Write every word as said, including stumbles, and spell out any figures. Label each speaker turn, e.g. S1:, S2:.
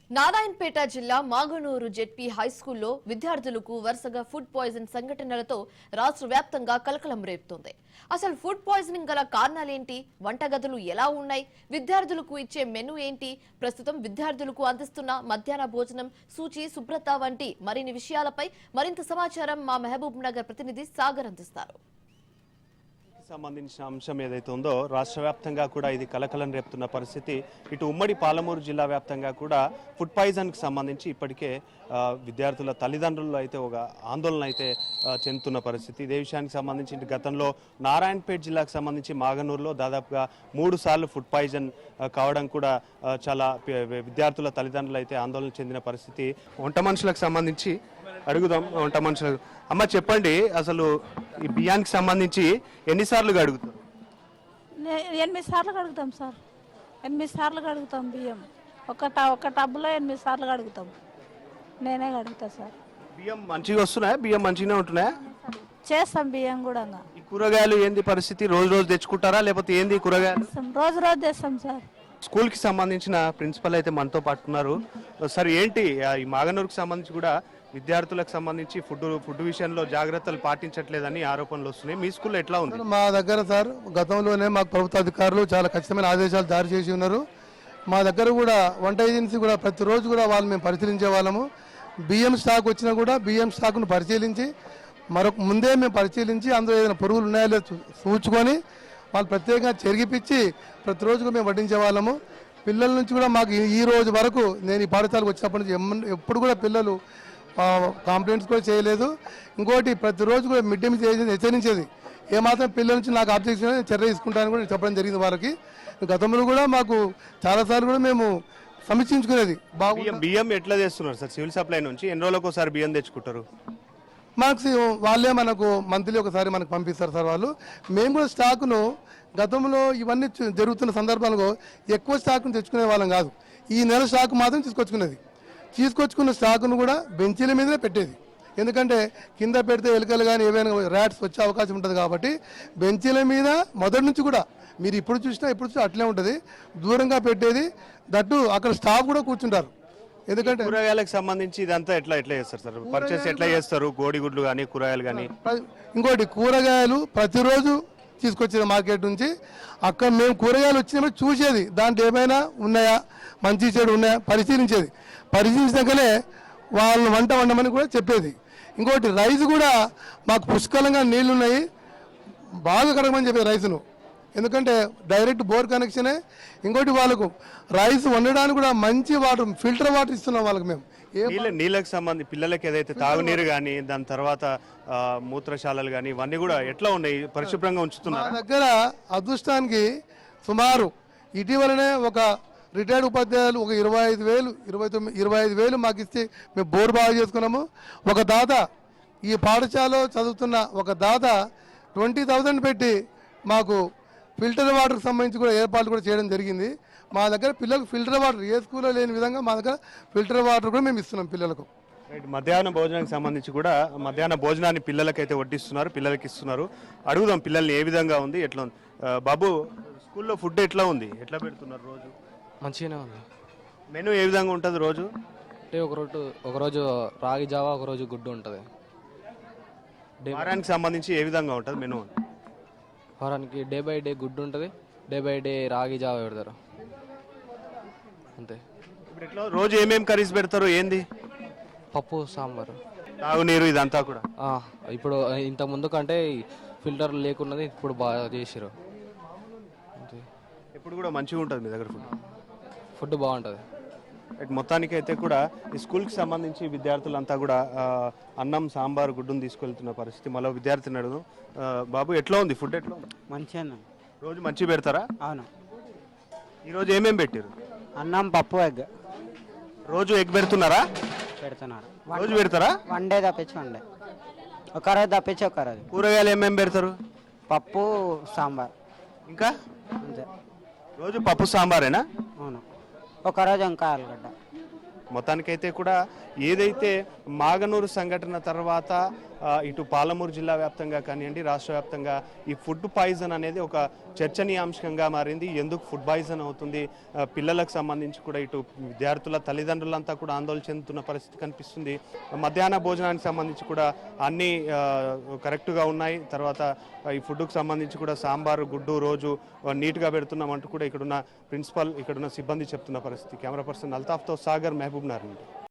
S1: నారాయణపేట జిల్లా మాగనూరు జెడ్పీ హైస్కూల్లో విద్యార్థులకు వరుసగా ఫుడ్ పాయిజన్ సంఘటనలతో రాష్ట్ర వ్యాప్తంగా కలకలం రేపుతోంది. అసలు ఫుడ్ పాయిజనింగ్ గల కారణాలేంటి, వంటగదులు ఎలా ఉన్నాయి, విద్యార్థులకు ఇచ్చే మెనూ ఏంటి, ప్రస్తుతం విద్యార్థులకు అందిస్తున్న మధ్యాహ్న భోజనం సూచి శుభ్రత వంటి మరిన్ని విషయాలపై మరింత సమాచారం మా మహబూబ్ నగర్ ప్రతినిధి సాగర్ అందిస్తారు.
S2: సంబంధించిన అంశం ఏదైతే ఉందో రాష్ట్ర వ్యాప్తంగా కూడా ఇది కలకలం రేపుతున్న పరిస్థితి. ఇటు ఉమ్మడి పాలమూరు జిల్లా వ్యాప్తంగా కూడా ఫుడ్ పాయిజన్కి సంబంధించి ఇప్పటికే విద్యార్థుల తల్లిదండ్రులు అయితే ఒక ఆందోళన అయితే చెందుతున్న పరిస్థితి. ఇదే విషయానికి సంబంధించి గతంలో నారాయణపేట జిల్లాకు సంబంధించి మాగనూరులో దాదాపుగా మూడు సార్లు ఫుడ్ పాయిజన్ కావడం కూడా చాలా విద్యార్థుల తల్లిదండ్రులు అయితే ఆందోళన చెందిన పరిస్థితి. వంట మనుషులకు సంబంధించి అడుగుదాం. వంట మనుషులకు అమ్మ చెప్పండి, అసలు ఈ బియ్యానికి సంబంధించి ఎన్నిసార్లు అడుగుతారు?
S3: ఎనిమిది సార్లు కడుగుతాం సార్. ఎనిమిది సార్లు కడుగుతాం బియ్యం. ఒక ఒక టబ్లో ఎనిమిది సార్లు కడుగుతాం. నేనే కడుగుతా సార్.
S2: బియ్యం మంచిగా వస్తున్నాయా? బియ్యం మంచిగానే ఉంటున్నాయా?
S3: చేస్తాం బియ్యం కూడా.
S2: ఈ కూరగాయలు ఏంది పరిస్థితి? రోజు రోజు తెచ్చుకుంటారా లేకపోతే ఏంది కూరగాయలు?
S3: రోజు రోజు తెస్తాం సార్.
S2: స్కూల్ కి సంబంధించిన ప్రిన్సిపల్ అయితే మనతో పాటు ఉన్నారు. సార్ ఏంటి ఈ మాగనూరుకు సంబంధించి కూడా విద్యార్థులకు సంబంధించి ఫుడ్ ఫుడ్ విషయంలో జాగ్రత్తలు పాటించట్లేదని ఆరోపణలు వస్తున్నాయి. మీ స్కూల్లో ఎట్లా ఉంది?
S4: మా దగ్గర సార్ గతంలోనే మాకు ప్రభుత్వ అధికారులు చాలా ఖచ్చితమైన ఆదేశాలు జారీ చేసి ఉన్నారు. మా దగ్గర కూడా వంట ఏజెన్సీ కూడా ప్రతిరోజు కూడా వాళ్ళు మేము పరిశీలించే వాళ్ళము. బియ్యం స్టాక్ వచ్చినా కూడా బియ్యం స్టాక్ను పరిశీలించి మరొక ముందే మేము పరిశీలించి అందులో ఏదైనా పురుగులు ఉన్నాయో లేదో చూచుకొని వాళ్ళు ప్రత్యేకంగా చెరిగిపించి ప్రతిరోజు మేము వడ్డించే వాళ్ళము. పిల్లల నుంచి కూడా మాకు ఈ రోజు వరకు నేను ఈ పాఠశాలకు వచ్చినప్పటి నుంచి ఎప్పుడు కూడా పిల్లలు కంప్లైంట్స్ కూడా చేయలేదు. ఇంకోటి ప్రతిరోజు కూడా మిడ్ డే మీల్ హెచ్చరించేది, ఏమాత్రం పిల్లల నుంచి నాకు అబ్జెక్షన్ చర్య తీసుకుంటానని కూడా చెప్పడం జరిగింది వారికి. గతంలో కూడా మాకు చాలాసార్లు కూడా మేము సమీక్షించుకునేది.
S2: బాగా బియ్యం ఎట్లా చేస్తున్నారు సార్? సివిల్ సప్లై నుంచి ఎన్ని రోజులకు ఒకసారి బియ్యం తెచ్చుకుంటారు?
S4: మాకు వాళ్ళే మనకు మంత్లీ ఒకసారి మనకు పంపిస్తారు సార్ వాళ్ళు. మేము కూడా స్టాకును గతంలో ఇవన్నీ జరుగుతున్న సందర్భాల్లో ఎక్కువ స్టాక్ను తెచ్చుకునే వాళ్ళం కాదు. ఈ నెల స్టాక్ మాత్రం తీసుకొచ్చుకునేది. తీసుకొచ్చుకున్న స్టాకును కూడా బెంచీల మీదనే పెట్టేది. ఎందుకంటే కింద పెడితే ఎలుకలు కానీ ఏవైనా ర్యాట్స్ వచ్చే అవకాశం ఉంటుంది కాబట్టి బెంచీల మీద మొదటి నుంచి కూడా మీరు ఇప్పుడు చూసినా ఇప్పుడు చూసినా అట్లే ఉంటుంది, దూరంగా పెట్టేది. దట్టు అక్కడ స్టాఫ్ కూడా కూర్చుంటారు. ఎందుకంటే
S2: కూరగాయలకు సంబంధించి ఇదంతా ఎట్లా ఎట్లా చేస్తారు సార్? పర్చేస్ ఎట్లా చేస్తారు? కోడిగుడ్లు కానీ కూరగాయలు కానీ?
S4: ఇంకోటి కూరగాయలు ప్రతిరోజు తీసుకొచ్చేది మార్కెట్ నుంచి. అక్కడ మేము కూరగాయలు వచ్చినప్పుడు చూసేది, దాంట్లో ఏమైనా ఉన్నాయా, మంచి చెడు ఉన్నాయా పరిశీలించేది. పరిశీలించాకనే వాళ్ళని వంట వండమని కూడా చెప్పేది. ఇంకోటి రైస్ కూడా మాకు పుష్కలంగా నీళ్లు ఉన్నాయి, బాగా కడగమని చెప్పేది రైస్ను. ఎందుకంటే డైరెక్ట్ బోర్ కనెక్షనే. ఇంకోటి వాళ్ళకు రైస్ వండడానికి కూడా మంచి వాటర్, ఫిల్టర్ వాటర్ ఇస్తున్నాం వాళ్ళకి మేము.
S2: నీళ్ళకి సంబంధించి పిల్లలకి ఏదైతే తాగునీరు కానీ దాని తర్వాత మూత్రశాలలు కానీ ఇవన్నీ కూడా ఎట్లా ఉన్నాయి, పరిశుభ్రంగా ఉంచుతున్నారు?
S4: మా దగ్గర అదృష్టానికి సుమారు ఇటీవలనే ఒక రిటైర్డ్ ఉపాధ్యాయులు ఒక ఇరవై ఐదు వేలు ఇరవై తొమ్మిది ఇరవై ఐదు వేలు మాకు ఇస్తే మేము బోర్ బాగా చేసుకున్నాము. ఒక దాత ఈ పాఠశాలలో చదువుతున్న ఒక దాత ట్వంటీ థౌజండ్ పెట్టి మాకు ఫిల్టర్ వాటర్కి సంబంధించి కూడా ఏర్పాట్లు కూడా చేయడం జరిగింది. మా దగ్గర పిల్లలకు ఫిల్టర్ వాటర్ ఏ స్కూల్లో లేని విధంగా మా దగ్గర ఫిల్టర్ వాటర్ కూడా మేము ఇస్తున్నాం పిల్లలకు.
S2: మధ్యాహ్న భోజనానికి సంబంధించి కూడా మధ్యాహ్న భోజనాన్ని పిల్లలకైతే వడ్డిస్తున్నారు, పిల్లలకి ఇస్తున్నారు. అడుగుదాం పిల్లల్ని ఏ విధంగా ఉంది, ఎట్లా ఉంది. బాబు, స్కూల్లో ఫుడ్ ఎట్లా ఉంది, ఎట్లా పెడుతున్నారు? రోజు
S5: మంచిగానే ఉంది.
S2: మెనూ ఏ విధంగా ఉంటుంది రోజు?
S5: అంటే ఒకరోజు ఒకరోజు రాగి జావా, ఒకరోజు గుడ్డు ఉంటుంది.
S2: వారానికి సంబంధించి ఏ విధంగా ఉంటుంది మెనూ?
S5: వారానికి డే బై డే గుడ్డు ఉంటుంది, డే బై డే రాగి జావా పెడతారు అంతే.
S2: ఇప్పుడు ఎట్లా రోజు ఏమేమి కర్రీస్ పెడతారు? ఏంది?
S5: పప్పు, సాంబారు,
S2: తాగునీరు ఇదంతా కూడా.
S5: ఇప్పుడు ఇంత ముందు కంటే ఫిల్టర్ లేకున్నది ఇప్పుడు బాగా చేసారు.
S2: ఇప్పుడు కూడా మంచిగా ఉంటుంది మీ దగ్గర ఫుడ్?
S5: ఫుడ్ బాగుంటుంది.
S2: మొత్తానికి అయితే కూడా ఈ స్కూల్కి సంబంధించి విద్యార్థులంతా కూడా అన్నం, సాంబార్, గుడ్డును తీసుకెళ్తున్న పరిస్థితి. మళ్ళీ విద్యార్థిని అడుగు. బాబు, ఎట్లా ఉంది ఫుడ్? ఎట్లా ఉంది?
S6: మంచిగా.
S2: రోజు మంచిగా పెడతారా?
S6: అవును.
S2: ఈరోజు ఏమేమి పెట్టారు?
S6: అన్నం, పప్పు, ఎగ్.
S2: రోజు ఎగ్ పెడుతున్నారా?
S6: పెడుతున్నారు.
S2: రోజు పెడతారా?
S6: వన్ డే తప్పించి వన్ డే, ఒక రోజు తప్పించి ఒక రోజు.
S2: కూరగాయలు ఏమేమి పెడతారు?
S6: పప్పు, సాంబార్.
S2: ఇంకా
S6: అంతే.
S2: రోజు పప్పు సాంబారేనా?
S6: అవును. ఒకరోజు ఇంకా ఆలుగడ్డ.
S2: మొత్తానికైతే కూడా ఏదైతే మాగనూరు సంఘటన తర్వాత ఆ, ఇటు పాలమూరు జిల్లా వ్యాప్తంగా కానివ్వండి రాష్ట్ర వ్యాప్తంగా ఈ ఫుడ్ పాయిజన్ అనేది ఒక చర్చనీయాంశంగా మారింది. ఎందుకు ఫుడ్ పాయిజన్ అవుతుంది, ఆ, పిల్లలకు సంబంధించి కూడా ఇటు విద్యార్థుల తల్లిదండ్రులంతా కూడా ఆందోళన చెందుతున్న పరిస్థితి కనిపిస్తుంది. మధ్యాహ్న భోజనానికి సంబంధించి కూడా అన్నీ ఆ, కరెక్ట్గా ఉన్నాయి. తర్వాత ఈ ఫుడ్కు సంబంధించి కూడా సాంబారు గుడ్డు రోజు నీట్గా పెడుతున్నామంటూ కూడా ఇక్కడున్న ప్రిన్సిపల్ ఇక్కడున్న సిబ్బంది చెప్తున్న పరిస్థితి. కెమెరా పర్సన్ అల్తాఫ్తో సాగర్, మహబూబ్ నగర్ నుండి.